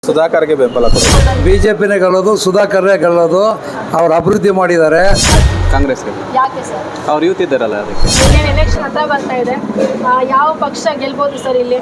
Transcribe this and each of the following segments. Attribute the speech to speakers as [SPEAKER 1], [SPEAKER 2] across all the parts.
[SPEAKER 1] ಸುಧಾಕರ್ಗೆ ಬೆಂಬಲ ಕೊಡಿ.
[SPEAKER 2] ಬಿಜೆಪಿನೇ ಗೆಲ್ಲೋದು, ಸುಧಾಕರ್ನೇ ಗೆಲ್ಲೋದು. ಅವ್ರು ಅಭಿವೃದ್ಧಿ ಮಾಡಿದ್ದಾರೆ.
[SPEAKER 3] ಕಾಂಗ್ರೆಸ್ಗೆ
[SPEAKER 4] ಯಾಕೆ ಸರ್?
[SPEAKER 3] ಅವ್ರು ಯೂತ್ ಇದ್ದಾರಲ್ಲ ಅದಕ್ಕೆ.
[SPEAKER 4] ಇನ್ನೇನು ಎಲೆಕ್ಷನ್ ಹತ್ರ ಬರ್ತಾ ಇದೆ, ಯಾವ ಪಕ್ಷ ಗೆಲ್ಬೋದು ಸರ್ ಇಲ್ಲಿ?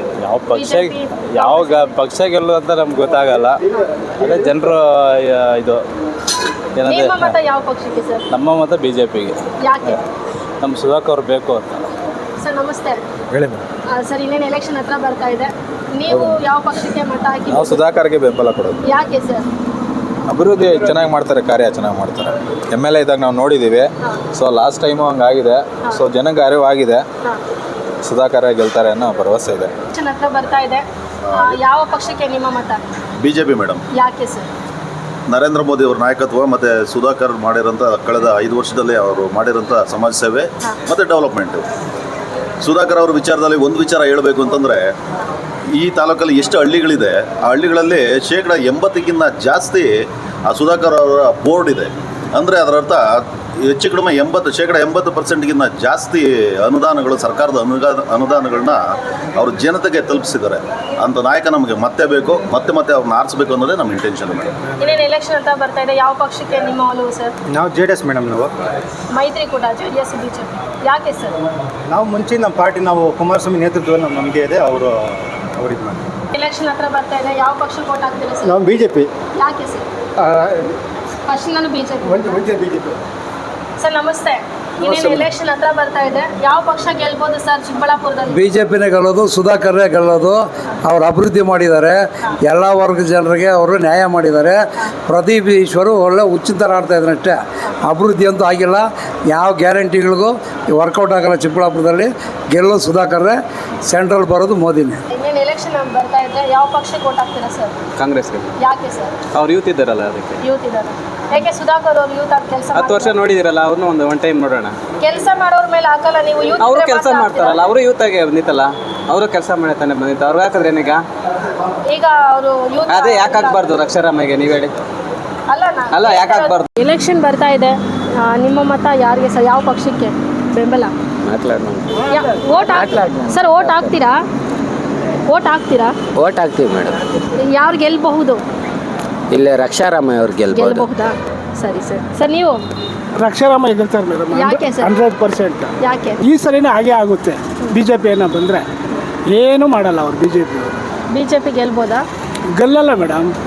[SPEAKER 1] ಯಾವ ಪಕ್ಷ ಗೆಲ್ಲೋದು ಅಂತ ನಮ್ಗೆ ಗೊತ್ತಾಗಲ್ಲ. ಅದೇ ಜನರು ಇದು ಏನಂದ್ರೆ
[SPEAKER 4] ನಿಮ್ಮ ಮತ ಯಾವ ಪಕ್ಷಕ್ಕೆ ಸರ್?
[SPEAKER 1] ನಮ್ಮ ಮತ BJPಗೆ.
[SPEAKER 4] ಯಾಕೆ
[SPEAKER 1] ನಮ್ಮ ಸುಧಾಕರ್ ಬೇಕು ಅಂತ.
[SPEAKER 4] ಸರ್ ನಮಸ್ತೆ.
[SPEAKER 2] ಹೇಳಿ
[SPEAKER 4] ಸರ್ ಇನ್ನೇನು ಎಲೆಕ್ಷನ್ ಹತ್ರ ಬರ್ತಾ ಇದೆ, ನೀವು ಯಾವ ಪಕ್ಷಕ್ಕೆ ಮತ ಹಾಕಿ?
[SPEAKER 1] ನಾವು ಸುಧಾಕರ್ಗೆ ಬೆಂಬಲ ಕೊಡೋದು.
[SPEAKER 4] ಯಾಕೆ ಸರ್?
[SPEAKER 1] ಅಭಿವೃದ್ಧಿ ಚೆನ್ನಾಗಿ ಮಾಡ್ತಾರೆ, ಕಾರ್ಯ ಚೆನ್ನಾಗಿ ಮಾಡ್ತಾರೆ. MLA ಇದ್ದಾಗ ನಾವು ನೋಡಿದ್ದೀವಿ. ಸೊ ಲಾಸ್ಟ್ ಟೈಮು ಹಂಗಾಗಿದೆ. ಸೊ ಜನಕ್ಕೆ ಅರಿವಾಗಿದೆ. ಸುಧಾಕರ ಗೆಲ್ತಾರೆ ಅನ್ನೋ ಭರವಸೆ ಇದೆ.
[SPEAKER 4] ಎಲೆಕ್ಷನ್ ಹತ್ರ ಬರ್ತಾ ಇದೆ, ಯಾವ ಪಕ್ಷಕ್ಕೆ ನಿಮ್ಮ ಮತ?
[SPEAKER 5] BJP madam.
[SPEAKER 4] ಯಾಕೆ ಸರ್?
[SPEAKER 5] ನರೇಂದ್ರ ಮೋದಿ ಅವ್ರ ನಾಯಕತ್ವ ಮತ್ತು ಸುಧಾಕರ್ ಮಾಡಿರೋಂಥ ಕಳೆದ 5 ವರ್ಷದಲ್ಲಿ ಅವರು ಮಾಡಿರೋಂಥ ಸಮಾಜ ಸೇವೆ ಮತ್ತು ಡೆವಲಪ್ಮೆಂಟು. ಸುಧಾಕರ್ ಅವ್ರ ವಿಚಾರದಲ್ಲಿ ಒಂದು ವಿಚಾರ ಹೇಳಬೇಕು ಅಂತಂದರೆ, ಈ ತಾಲೂಕಲ್ಲಿ ಎಷ್ಟು ಹಳ್ಳಿಗಳಿದೆ, ಆ ಹಳ್ಳಿಗಳಲ್ಲಿ 80% ಜಾಸ್ತಿ ಆ ಸುಧಾಕರ್ ಅವರ ಬೋರ್ಡ್ ಇದೆ. ಅಂದರೆ ಅದರ ಅರ್ಥ ಹೆಚ್ಚು ಕಡಿಮೆ 80% ಜಾಸ್ತಿ ಅನುದಾನಗಳು, ಸರ್ಕಾರದ ಅನುದಾನಗಳನ್ನ ಅವರು ಜನತೆಗೆ ತಲುಪಿಸಿದ್ದಾರೆ. ಅಂಥ ನಾಯಕ ನಮಗೆ ಮತ್ತೆ ಬೇಕು, ಮತ್ತೆ ಅವ್ರನ್ನ ಆರಿಸಬೇಕು ಅನ್ನೋದೇ ನಮ್ಮ ಇಂಟೆನ್ಷನ್ ಮೇಡಮ್.
[SPEAKER 4] ಇನ್ನೇನು ಎಲೆಕ್ಷನ್ ಅಂತ ಬರ್ತಾ ಇದೆ, ಯಾವ ಪಕ್ಷಕ್ಕೆ ನಿಮ್ಮ ಒಲವು ಸರ್?
[SPEAKER 6] ನಾವು JDS ಮೇಡಮ್. ನಾವು
[SPEAKER 4] ಮೈತ್ರಿಕೂಟ, JDS, BJP. ಯಾಕೆ ಸರ್?
[SPEAKER 6] ನಾವು ಮುಂಚೆ ನಮ್ಮ ಪಾರ್ಟಿ, ನಾವು ಕುಮಾರಸ್ವಾಮಿ ನೇತೃತ್ವದಲ್ಲಿ ನಮಗೆ ಇದೆ. ಅವರು ಇದು ಮಾಡಿ.
[SPEAKER 4] ಎಲೆಕ್ಷನ್ ಹತ್ರ ಬರ್ತಾ ಇದೆ, ಯಾವ ಪಕ್ಷಕ್ಕೆ ವೋಟ್ ಹಾಕ್ತೀರಾ ಸರ್?
[SPEAKER 6] ನಾವು BJP.
[SPEAKER 4] ಯಾಕೆ ಸರ್? ಫಸ್ಟ್ ನಾನು BJP.
[SPEAKER 6] BJP.
[SPEAKER 4] ಸರ್ ನಮಸ್ತೆ. ಇನ್ನೇನು ಎಲೆಕ್ಷನ್ ಹತ್ರ ಬರ್ತಾ ಇದೆ, ಯಾವ ಪಕ್ಷ ಗೆಲ್ಬೋದು ಸರ್ ಚಿಕ್ಕಬಳ್ಳಾಪುರದಲ್ಲಿ?
[SPEAKER 2] ಬಿಜೆಪಿನೇ ಗೆಲ್ಲೋದು, ಸುಧಾಕರ್ನೇ ಗೆಲ್ಲೋದು. ಅವ್ರು ಅಭಿವೃದ್ಧಿ ಮಾಡಿದ್ದಾರೆ. ಎಲ್ಲ ವರ್ಗದ ಜನರಿಗೆ ಅವರು ನ್ಯಾಯ ಮಾಡಿದ್ದಾರೆ. ಪ್ರದೀಪ್ ಈಶ್ವರು ಒಳ್ಳೆ ಉಚಿತ ಆಡ್ತಾ ಇದ್ದಾರೆ ಅಷ್ಟೇ. ಅಭಿವೃದ್ಧಿ ಅಂತೂ ಆಗಿಲ್ಲ. ಯಾವ ಗ್ಯಾರಂಟಿಗಳಿಗೂ ವರ್ಕೌಟ್ ಆಗಲ್ಲ. ಚಿಕ್ಕಬಳ್ಳಾಪುರದಲ್ಲಿ ಗೆಲ್ಲೋದು ಸುಧಾಕರ್ನೇ, ಸೆಂಟ್ರಲ್ ಬರೋದು ಮೋದಿನೇ.
[SPEAKER 4] ಇನ್ನೇನು ಎಲೆಕ್ಷನ್ ಬರ್ತಾ ಇದೆ, ಯಾವ ಪಕ್ಷಕ್ಕೆ ವೋಟ್ ಹಾಕ್ತೀರಾ ಸರ್?
[SPEAKER 3] ಕಾಂಗ್ರೆಸ್ಗೆ.
[SPEAKER 4] ಯಾಕೆ ಸರ್?
[SPEAKER 3] ಅವ್ರು ಯೂತ್ ಇದ್ದಾರಲ್ಲ ಅದಕ್ಕೆ.
[SPEAKER 4] ಯೂತ್ ಇದ್ದಾರೆ. ಯಾಕೆ ಸುಧಾಕರ್ ಅವರು ಯೂತ್ ಆಗಿ ಕೆಲಸ
[SPEAKER 3] 10 ವರ್ಷ ನೋಡಿದಿರಲ್ಲ, ಅವ್ರನ್ನ ಒಂದು ಟೈಮ್ ನೋಡೋಣ.
[SPEAKER 4] ಕೆಲಸ ಮಾಡೋರ ಮೇಲೆ ಹಾಕಲ್ಲ ನೀವು? ಯೂತ್
[SPEAKER 3] ಅವರು ಕೆಲಸ ಮಾಡ್ತಾರಲ್ಲ, ಅವರು ಯೂತ್ ಆಗಿ ಬಂದಿತ್ತಲ್ಲ, ಅವರು ಕೆಲಸ ಮಾಡತಾನೆ ಬಂದಿತ್ತು. ಅವ್ರಿಗೆ ಹಾಕಿದ್ರೆ ಏನೀಗ?
[SPEAKER 4] ಈಗ ಅವರು ಯೂತ್
[SPEAKER 3] ಅದೇ ಯಾಕೆ ಹಾಕ್ಬಾರ್ದು ರಕ್ಷಾರಾಮಗೆ? ನೀವು ಹೇಳಿ. ಅಲ್ಲ, ಯಾಕೆ ಹಾಕ್ಬಾರ್ದು?
[SPEAKER 4] ಎಲೆಕ್ಷನ್ ಬರ್ತಾ ಇದೆ, ನಿಮ್ಮ ಮತ ಯಾರಿಗೆ ಸರ್? ಯಾವ ಪಕ್ಷಕ್ಕೆ ಬೆಂಬಲ? ವೋಟ್ ಸರ್, ವೋಟ್ ಹಾಕ್ತೀರಾ? ವೋಟ್ ಹಾಕ್ತೀವಿ ಮೇಡಮ್. ಯಾರು ಗೆಲ್ಲಬಹುದು?
[SPEAKER 7] ಇಲ್ಲೇ ರಕ್ಷಾರಾಮಯ್ಯ ಅವ್ರು
[SPEAKER 4] ಗೆಲ್ಲಬಹುದಾ? ಸರಿ ಸರ್. ಸರ್ ನೀವು?
[SPEAKER 8] ರಕ್ಷಾರಾಮಯ್ಯ ಗೆಲ್ತಾರೆ ಮೇಡಮ್.
[SPEAKER 4] ಯಾಕೆ ಸರ್?
[SPEAKER 8] 100%.
[SPEAKER 4] ಯಾಕೆ? ಈ
[SPEAKER 8] ಈ ಸರಿನೇ ಹಾಗೆ ಆಗುತ್ತೆ. BJP ಏನೋ ಬಂದರೆ ಏನೂ ಮಾಡಲ್ಲ ಅವ್ರು. BJP
[SPEAKER 4] ಗೆಲ್ಬೋದಾ?
[SPEAKER 8] ಗೆಲ್ಲಲ್ಲ ಮೇಡಮ್.